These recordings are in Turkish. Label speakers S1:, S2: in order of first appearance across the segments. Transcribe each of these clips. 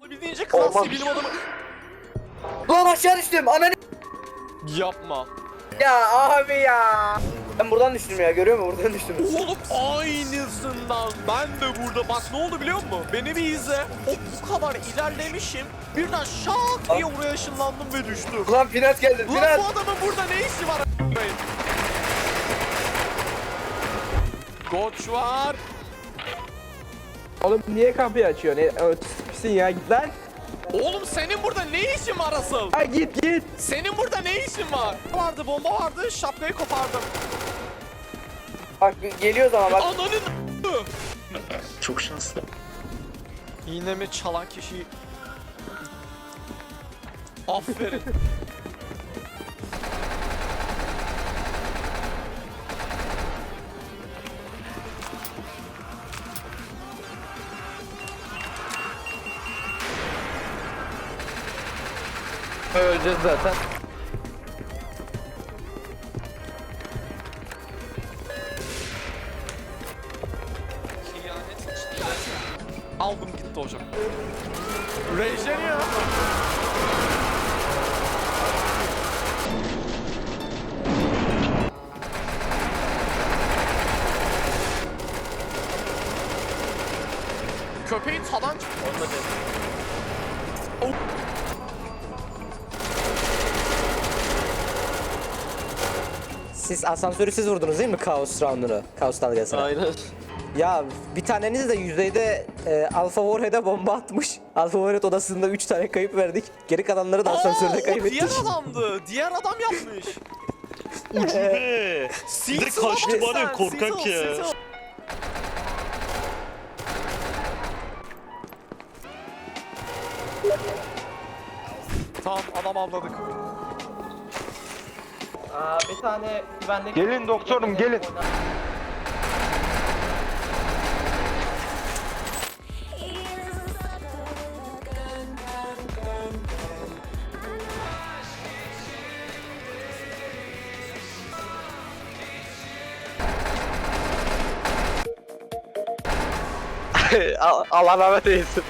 S1: olabildiğince klasik bilim adamı.
S2: Lan aşağı düştüm ananı.
S1: Yapma.
S2: Ya abi ya. Ben buradan düştüm ya, görüyor musun? Buradan düştüm.
S1: Oğlum aynısından ben de burada. Bak ne oldu biliyor musun? Beni bir izle. Bu kadar ilerlemişim. Birden şak diye oraya ışınlandım ve düştüm.
S2: Ulan Finat geldi,
S1: Ulan
S2: Finat.
S1: bu adamın burada ne işi var a**ayım? Koç var.
S3: Oğlum niye kapıyı açıyorsun? Pisin ya, git lan.
S1: Oğlum senin burada ne işin var asıl?
S3: Ha git.
S1: Senin burada ne işin var? Vardı, bomba vardı, şapkayı kopardım.
S2: Bak geliyoruz ama bak.
S1: Ananın
S4: Çok şanslı.
S1: İğnemi çalan kişiyi... Aferin.
S3: Öleceğiz zaten.
S1: Aldım gitti hocam. Rejeni ya. Köpeğin tadan çıktı.
S5: Siz asansörü siz vurdunuz değil mi Kaos roundunu? Kaos dalgasına.
S1: Aynen.
S5: Ya bir taneniz de yüzeyde Alpha Warhead'e bomba atmış. Alpha Warhead odasında 3 tane kayıp verdik. Geri kalanları da asansörde
S1: O
S5: kaybettik.
S1: diğer adamdı. Diğer adam yapmış.
S4: Ucube. Direkt kaçtı bana ya, korkak ya.
S1: Tamam adam avladık.
S3: Bir tane güvenlik...
S6: Gelin doktorum, gelin. Allah rahmet eylesin.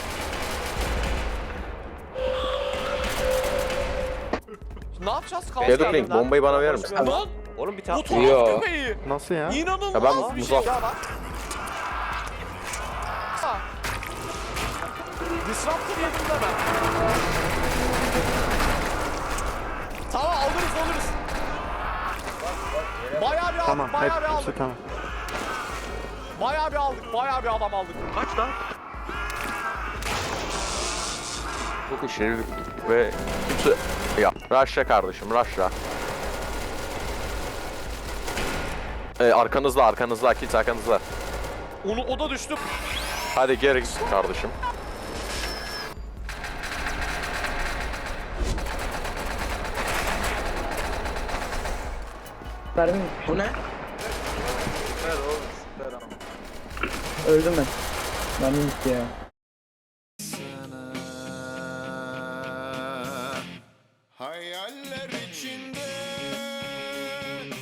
S1: Ne yapacağız? Kaos
S6: Deadlink,
S1: geldi.
S6: bombayı bana verir misin?
S1: Lan
S3: Oğlum bir
S1: bu
S3: tane...
S1: tuhaf köpeği.
S6: Nasıl ya?
S1: İnanılmaz
S6: Ya ben
S1: bir şey.
S6: Muzaf-
S1: Ya bak. Ha. Disruptor yedim de ben. Tamam alırız. Bayağı bir aldık, bayağı bir aldık.
S6: Tamam.
S1: Bayağı bir aldık, bayağı bir adam aldık.
S4: Kaç lan?
S6: Çok işini ve kimse... Ya, rushla kardeşim, rushla. Arkanızda, kilit arkanızda.
S1: O da düştü.
S6: Hadi geri git kardeşim.
S3: Bu ne?
S2: Öldüm ben. Ben gitti ya.